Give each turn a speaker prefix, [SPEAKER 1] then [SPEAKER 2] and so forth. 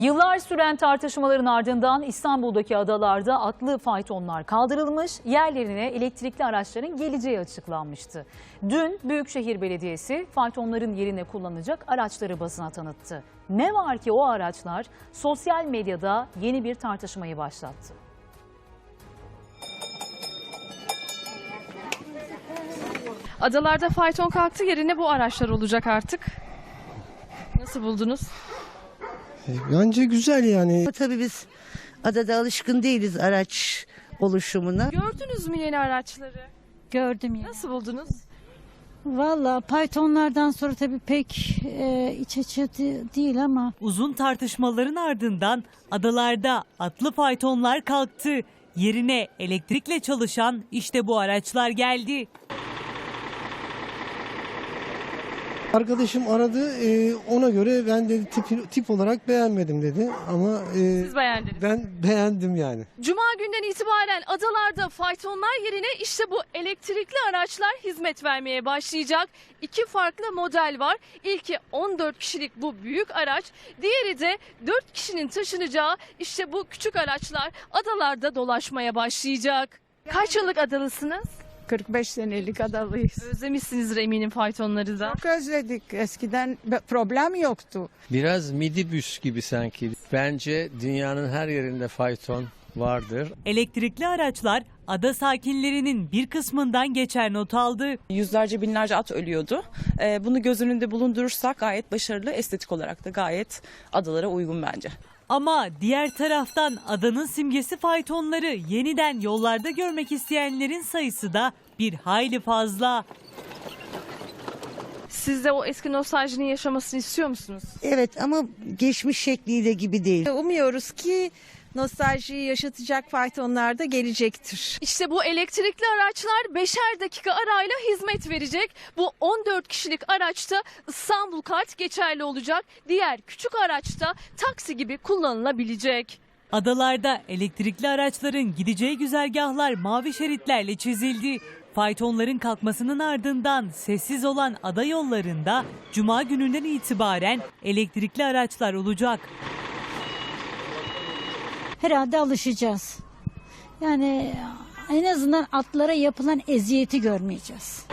[SPEAKER 1] Yıllar süren tartışmaların ardından İstanbul'daki adalarda atlı faytonlar kaldırılmış, yerlerine elektrikli araçların geleceği açıklanmıştı. Dün Büyükşehir Belediyesi faytonların yerine kullanılacak araçları basına tanıttı. Ne var ki o araçlar sosyal medyada yeni bir tartışmayı başlattı.
[SPEAKER 2] Adalarda fayton kalktı, yerine bu araçlar olacak artık. Nasıl buldunuz?
[SPEAKER 3] Bence güzel yani.
[SPEAKER 4] Tabii biz adada alışkın değiliz araç oluşumuna.
[SPEAKER 2] Gördünüz mü yeni araçları?
[SPEAKER 5] Gördüm ya.
[SPEAKER 2] Nasıl buldunuz?
[SPEAKER 5] Valla Python'lardan sonra tabii pek iç açıcı değil ama.
[SPEAKER 6] Uzun tartışmaların ardından adalarda atlı faytonlar kalktı. Yerine elektrikle çalışan işte bu araçlar geldi.
[SPEAKER 3] Arkadaşım aradı, ona göre ben dedi tip olarak beğenmedim dedi ama
[SPEAKER 2] Siz beğendiniz.
[SPEAKER 3] ben beğendim yani.
[SPEAKER 2] Cuma günden itibaren adalarda faytonlar yerine işte bu elektrikli araçlar hizmet vermeye başlayacak. İki farklı model var. İlki 14 kişilik bu büyük araç, diğeri de 4 kişinin taşınacağı işte bu küçük araçlar adalarda dolaşmaya başlayacak. Kaç yıllık adalısınız?
[SPEAKER 7] 45 senelik adalıyız.
[SPEAKER 2] Özlemişsinizdir eminim faytonları da.
[SPEAKER 7] Çok özledik. Eskiden problem yoktu.
[SPEAKER 8] Biraz midibüs gibi sanki. Bence dünyanın her yerinde fayton vardır.
[SPEAKER 6] Elektrikli araçlar ada sakinlerinin bir kısmından geçer not aldı.
[SPEAKER 9] Yüzlerce binlerce at ölüyordu. Bunu göz önünde bulundurursak gayet başarılı, estetik olarak da gayet adalara uygun bence.
[SPEAKER 6] Ama diğer taraftan adanın simgesi faytonları yeniden yollarda görmek isteyenlerin sayısı da bir hayli fazla.
[SPEAKER 2] Siz de o eski nostaljinin yaşamasını istiyor musunuz?
[SPEAKER 4] Evet ama geçmiş şekliyle gibi değil.
[SPEAKER 10] Umuyoruz ki nostaljiyi yaşatacak faytonlar da gelecektir.
[SPEAKER 2] İşte bu elektrikli araçlar 5'er dakika arayla hizmet verecek. Bu 14 kişilik araçta İstanbul kart geçerli olacak. Diğer küçük araçta taksi gibi kullanılabilecek.
[SPEAKER 6] Adalarda elektrikli araçların gideceği güzergahlar mavi şeritlerle çizildi. Faytonların kalkmasının ardından sessiz olan ada yollarında Cuma gününden itibaren elektrikli araçlar olacak.
[SPEAKER 5] Herhalde alışacağız. Yani en azından atlara yapılan eziyeti görmeyeceğiz.